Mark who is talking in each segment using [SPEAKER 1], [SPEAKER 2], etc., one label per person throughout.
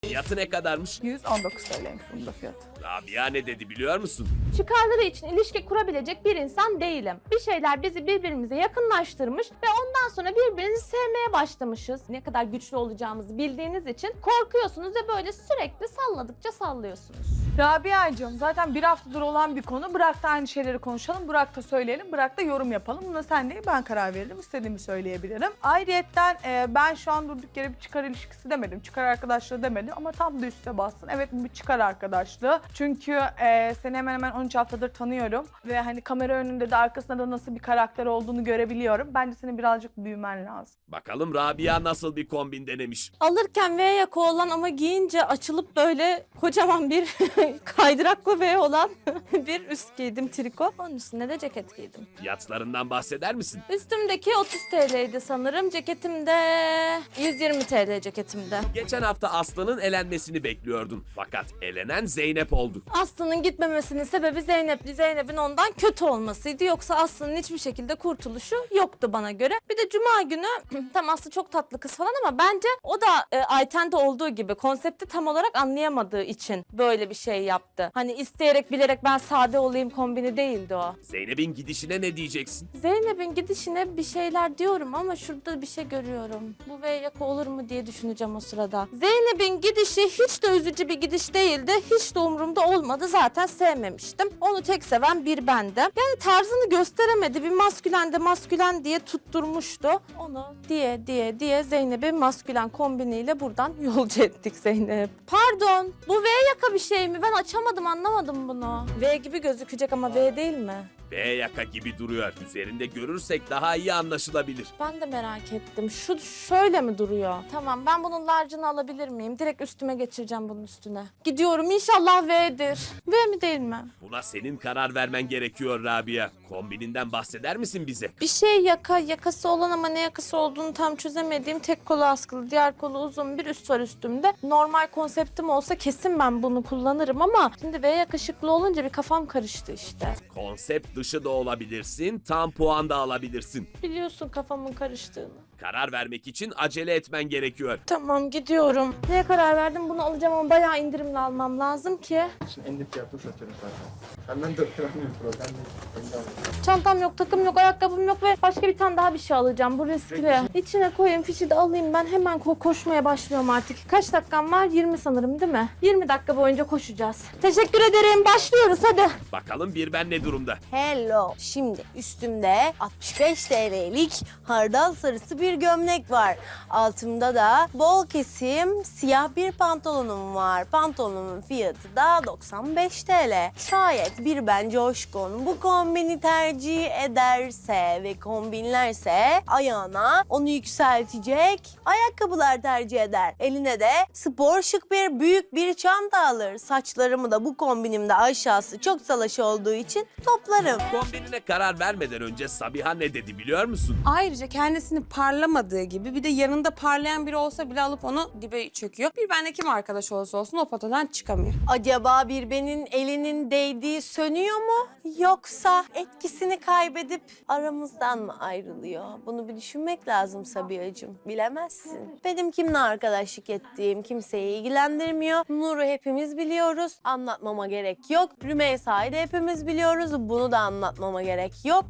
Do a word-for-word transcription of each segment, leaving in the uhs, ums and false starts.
[SPEAKER 1] Fiyatı ne kadarmış?
[SPEAKER 2] yüz on dokuz T L'ymiş bunun da fiyatı.
[SPEAKER 1] Rabia ne dedi biliyor musun?
[SPEAKER 3] Çıkarları için ilişki kurabilecek bir insan değilim. Bir şeyler bizi birbirimize yakınlaştırmış ve ondan sonra birbirimizi sevmeye başlamışız. Ne kadar güçlü olacağımızı bildiğiniz için korkuyorsunuz ve böyle sürekli salladıkça sallıyorsunuz.
[SPEAKER 2] Rabia'cığım zaten bir haftadır olan bir konu. Bırak da aynı şeyleri konuşalım, bırak da söyleyelim, bırak da yorum yapalım. Buna sen değil ben karar veririm, istediğimi söyleyebilirim. Ayrıyetten e, ben şu an durduk yere bir çıkar ilişkisi demedim, çıkar arkadaşlığı demedim ama tam da üstüne bastın. Evet bu bir çıkar arkadaşlığı. Çünkü e, seni hemen hemen on üç haftadır tanıyorum ve hani kamera önünde de arkasında da nasıl bir karakter olduğunu görebiliyorum. Bence senin birazcık büyümen lazım.
[SPEAKER 1] Bakalım Rabia nasıl bir kombin denemiş.
[SPEAKER 3] Alırken V yaka olan ama giyince açılıp böyle kocaman bir kaydıraklı V olan bir üst giydim, triko. Onun üstüne de ceket giydim.
[SPEAKER 1] Fiyatlarından bahseder misin?
[SPEAKER 3] Üstümdeki otuz T L'ydi sanırım. Ceketim de yüz yirmi T L ceketimde.
[SPEAKER 1] Geçen hafta Aslı'nın elenmesini bekliyordun. Fakat elenen Zeynep oldu.
[SPEAKER 3] Aslı'nın gitmemesinin sebebi Zeynep'li Zeynep'in ondan kötü olmasıydı. Yoksa Aslı'nın hiçbir şekilde kurtuluşu yoktu bana göre. Bir de Cuma günü tam Aslı çok tatlı kız falan ama bence o da e, Ayten'de olduğu gibi konsepti tam olarak anlayamadığı için böyle bir şey yaptı. Hani isteyerek bilerek ben sade olayım kombini değildi o.
[SPEAKER 1] Zeynep'in gidişine ne diyeceksin?
[SPEAKER 3] Zeynep'in gidişine bir şeyler diyorum ama şurada bir şey görüyorum. Bu V yaka olur mu diye düşüneceğim o sırada. Zeynep'in gidişi hiç de üzücü bir gidiş değildi. Hiç de umurumda olmadı. Zaten sevmemiştim. Onu tek seven bir bendim. Yani tarzını gösteremedi. Bir maskülen de maskülen diye tutturmuştu. Onu diye diye diye Zeynep'i maskülen kombiniyle buradan yolcu ettik Zeynep. Pardon. Bu V yaka bir şey mi? Ben açamadım, anlamadım bunu. V gibi gözükecek ama V değil mi?
[SPEAKER 1] V yaka gibi duruyor. Üzerinde görürsek daha iyi anlaşılabilir.
[SPEAKER 3] Ben de merak ettim. Şu şöyle mi duruyor? Tamam, ben bunun large'ını alabilir miyim? Direkt üstüme geçireceğim bunun üstüne. Gidiyorum, inşallah V'dir. V mi değil mi?
[SPEAKER 1] Buna senin karar vermen gerekiyor Rabia. Kombininden bahseder misin bize?
[SPEAKER 3] Bir şey yaka, yakası olan ama ne yakası olduğunu tam çözemediğim, tek kolu askılı, diğer kolu uzun bir üst var üstümde. Normal konseptim olsa kesin ben bunu kullanırım ama şimdi V yakışıklı olunca bir kafam karıştı işte.
[SPEAKER 1] Konsept dışı da olabilirsin, tam puan da alabilirsin.
[SPEAKER 3] Biliyorsun kafamın karıştığını.
[SPEAKER 1] Karar vermek için acele etmen gerekiyor.
[SPEAKER 3] Tamam, gidiyorum. Neye karar verdim? Bunu alacağım ama bayağı indirimli almam lazım ki.
[SPEAKER 4] Şimdi en dip fiyatını satıyorum zaten. Senden de öğrenmiyorum problem değil. Beni de alayım.
[SPEAKER 3] Çantam yok, takım yok, ayakkabım yok ve başka bir tane daha bir şey alacağım. Bu riskli. İçine koyayım, fişi de alayım. Ben hemen ko- koşmaya başlıyorum artık. Kaç dakikam var? yirmi sanırım değil mi? yirmi dakika boyunca koşacağız. Teşekkür ederim. Başlıyoruz hadi.
[SPEAKER 1] Bakalım bir ben ne durumda?
[SPEAKER 5] Hello. Şimdi üstümde altmış beş T L'lik hardal sarısı bir gömlek var. Altımda da bol kesim siyah bir pantolonum var. Pantolonumun fiyatı da doksan beş T L. Şayet bir ben coşkun bu kombini tercih ederse ve kombinlerse ayağına onu yükseltecek ayakkabılar tercih eder. Eline de spor şık bir büyük bir çanta alır. Saçlarımı da bu kombinimde aşağısı çok salaş olduğu için toplarım.
[SPEAKER 1] Kombinine karar vermeden önce Sabiha ne dedi biliyor musun?
[SPEAKER 6] Ayrıca kendisini parlamadığı gibi bir de yanında parlayan biri olsa bile alıp onu dibe çöküyor. Bir benle kim arkadaş olursa olsun o potadan çıkamıyor.
[SPEAKER 5] Acaba birbenin elinin değdiği sönüyor mu? Yoksa etkisini kaybedip aramızdan mı ayrılıyor? Bunu bir düşünmek lazım Sabiha'cığım. Bilemezsin. Benim kimle arkadaşlık ettiğim kimseyi ilgilendirmiyor. Nur'u hepimiz biliyoruz. Anlatmama gerek yok. Rümeysa'yı da hepimiz biliyoruz. Bunu da anlatmama gerek yok.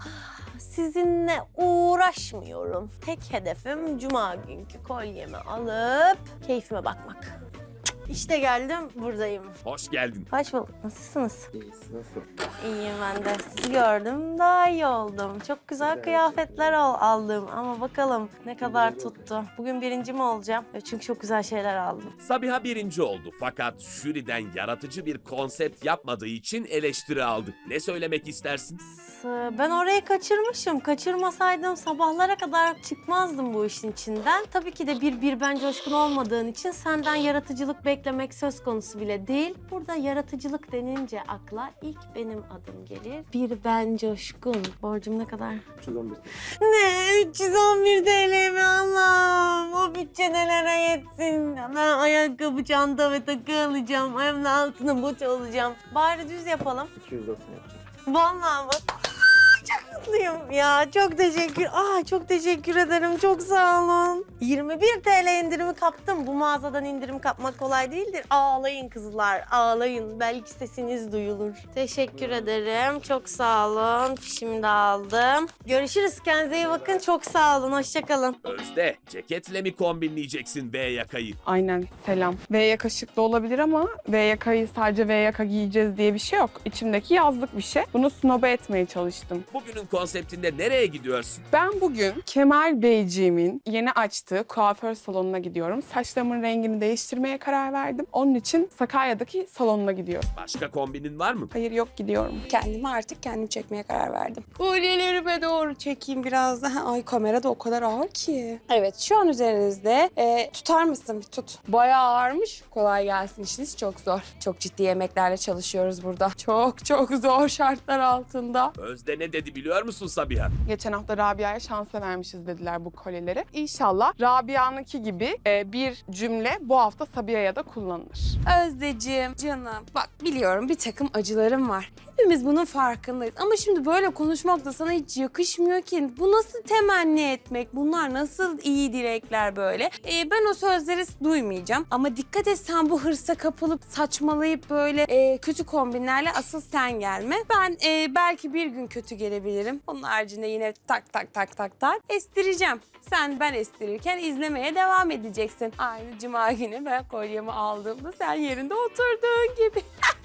[SPEAKER 5] Sizinle uğraşmıyorum. Tek hedefim cuma günkü kolyemi alıp keyfime bakmak. İşte geldim, buradayım.
[SPEAKER 1] Hoş geldin.
[SPEAKER 5] Hoş bulduk. Nasılsınız?
[SPEAKER 4] İyisi nasıl?
[SPEAKER 5] İyiyim ben de. Sizi gördüm, daha iyi oldum. Çok güzel kıyafetler al aldım ama bakalım ne kadar tuttu. Bugün birinci mi olacağım? Çünkü çok güzel şeyler aldım.
[SPEAKER 1] Sabiha birinci oldu fakat jüriden yaratıcı bir konsept yapmadığı için eleştiri aldı. Ne söylemek istersin?
[SPEAKER 5] Ben orayı kaçırmışım. Kaçırmasaydım sabahlara kadar çıkmazdım bu işin içinden. Tabii ki de bir bir ben coşkun olmadığın için senden yaratıcılık beklemek söz konusu bile değil. Burada yaratıcılık denince akla ilk benim adım gelir. Bir ben coşkun. Borcum ne kadar?
[SPEAKER 4] üç yüz on bir.
[SPEAKER 5] Ne? üç yüz on bir T L mi Allah'ım? O bütçe nelere yetsin? Ben ayakkabı, çanta ve takı alacağım. Hem de altına bot alacağım. Bari düz yapalım.
[SPEAKER 4] iki yüz doksan yapacağım.
[SPEAKER 5] Vallahi bak. Çok mutluyum ya. Çok teşekkür. Aa, çok teşekkür ederim. Çok sağ olun. yirmi bir T L indirimi kaptım. Bu mağazadan indirim kapmak kolay değildir. Ağlayın kızlar, ağlayın. Belki sesiniz duyulur. Teşekkür ederim. Çok sağ olun. Fişimi de aldım. Görüşürüz. Kendinize iyi bakın. Çok sağ olun. Hoşçakalın.
[SPEAKER 1] Özde, ceketle mi kombinleyeceksin V yakayı?
[SPEAKER 7] Aynen, selam. V yaka şık da olabilir ama V yakayı sadece V yaka giyeceğiz diye bir şey yok. İçimdeki yazlık bir şey. Bunu snoba etmeye çalıştım.
[SPEAKER 1] Bugünün konseptinde nereye gidiyorsun?
[SPEAKER 7] Ben bugün Kemal Beyciğimin yeni açtığı kuaför salonuna gidiyorum. Saçlarımın rengini değiştirmeye karar verdim. Onun için Sakarya'daki salonuna gidiyorum.
[SPEAKER 1] Başka kombinin var mı?
[SPEAKER 7] Hayır, yok, gidiyorum.
[SPEAKER 6] Kendimi artık kendim çekmeye karar verdim. Kolyelerime doğru çekeyim biraz daha. Ay kamera da o kadar ağır ki. Evet şu an üzerinizde. Ee, tutar mısın? Bir tut. Bayağı ağırmış. Kolay gelsin, işiniz çok zor. Çok ciddi yemeklerle çalışıyoruz burada. Çok çok zor şartlar altında.
[SPEAKER 1] Özde ne dedi biliyor musun Sabiha?
[SPEAKER 7] Geçen hafta Rabia'ya şansa vermişiz dediler bu kolyeleri. İnşallah Rabia'nınki gibi e, bir cümle bu hafta Sabiha'ya da kullanılır.
[SPEAKER 6] Özdeciğim, canım. Bak biliyorum bir takım acılarım var. Hepimiz bunun farkındayız. Ama şimdi böyle konuşmak da sana hiç yakışmıyor ki. Bu nasıl temenni etmek? Bunlar nasıl iyi dilekler böyle? Ee, ben o sözleri duymayacağım. Ama dikkat et sen bu hırsa kapılıp saçmalayıp böyle e, kötü kombinlerle asıl sen gelme. Ben e, belki bir gün kötü gelebilirim. Onun haricinde yine tak tak tak tak tak estireceğim. Sen ben estirirken izlemeye devam edeceksin. Aynı cuma günü ben kolyemi aldığımda sen yerinde oturduğun gibi.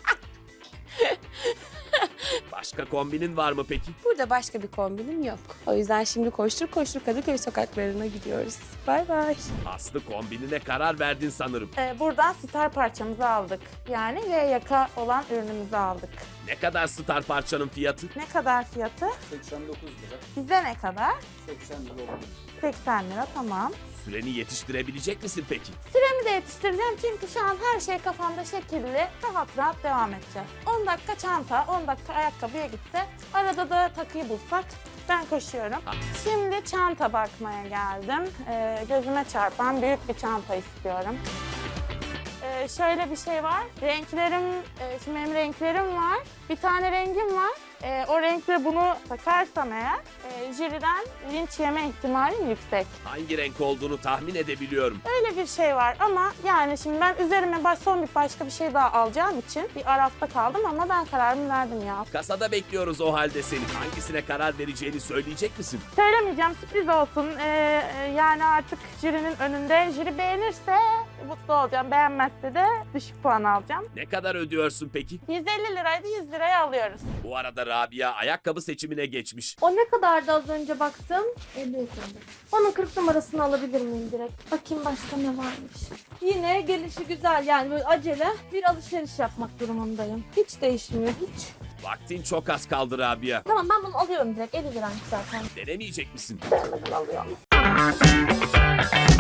[SPEAKER 1] Başka kombinin var mı peki?
[SPEAKER 6] Burada başka bir kombinim yok. O yüzden şimdi koştur koştur Kadıköy sokaklarına gidiyoruz. Bay bay.
[SPEAKER 1] Aslı kombinine karar verdin sanırım.
[SPEAKER 3] Ee, buradan star parçamızı aldık. Yani V yaka olan ürünümüzü aldık.
[SPEAKER 1] Ne kadar star parçanın fiyatı?
[SPEAKER 3] Ne kadar fiyatı?
[SPEAKER 4] seksen dokuz lira.
[SPEAKER 3] Bize ne kadar?
[SPEAKER 4] seksen lira oldu.
[SPEAKER 3] seksen lira, tamam.
[SPEAKER 1] Süreni yetiştirebilecek misin peki?
[SPEAKER 3] Süremi de yetiştireceğim çünkü şu an her şey kafamda şekilli. Rahat rahat devam edeceğiz. on dakika çanta, on dakika ayakkabıya gitti. Arada da takıyı bulsak ben koşuyorum. Şimdi çanta bakmaya geldim. Ee, gözüme çarpan büyük bir çanta istiyorum. Ee, şöyle bir şey var. Renklerim, e, şimdi benim renklerim var. Bir tane rengim var. Ee, o renkle bunu takarsam eğer e, jüriden linç yeme ihtimalim yüksek.
[SPEAKER 1] Hangi renk olduğunu tahmin edebiliyorum.
[SPEAKER 3] Öyle bir şey var ama yani şimdi ben üzerime baş, son bir başka bir şey daha alacağım için bir arafta kaldım ama ben kararımı verdim ya.
[SPEAKER 1] Kasada bekliyoruz o halde seni. Hangisine karar vereceğini söyleyecek misin?
[SPEAKER 3] Söylemeyeceğim, sürpriz olsun. Ee, yani artık jürinin önünde. Jüri beğenirse mutlu olacağım, beğenmezse de düşük puan alacağım.
[SPEAKER 1] Ne kadar ödüyorsun peki?
[SPEAKER 3] yüz elli liraydı, yüz liraya alıyoruz.
[SPEAKER 1] Bu arada Rabia ayakkabı seçimine geçmiş.
[SPEAKER 3] O ne kadardı az önce baktım? elli lira. Onun kırk numarasını alabilir miyim direkt? Bakayım başka ne varmış. Yine gelişi güzel, yani böyle acele bir alışveriş yapmak durumundayım. Hiç değişmiyor, hiç.
[SPEAKER 1] Vaktin çok az kaldı Rabia.
[SPEAKER 3] Tamam, ben bunu alıyorum direkt, elli liraymış zaten.
[SPEAKER 1] Denemeyecek misin?
[SPEAKER 3] Alıyorum.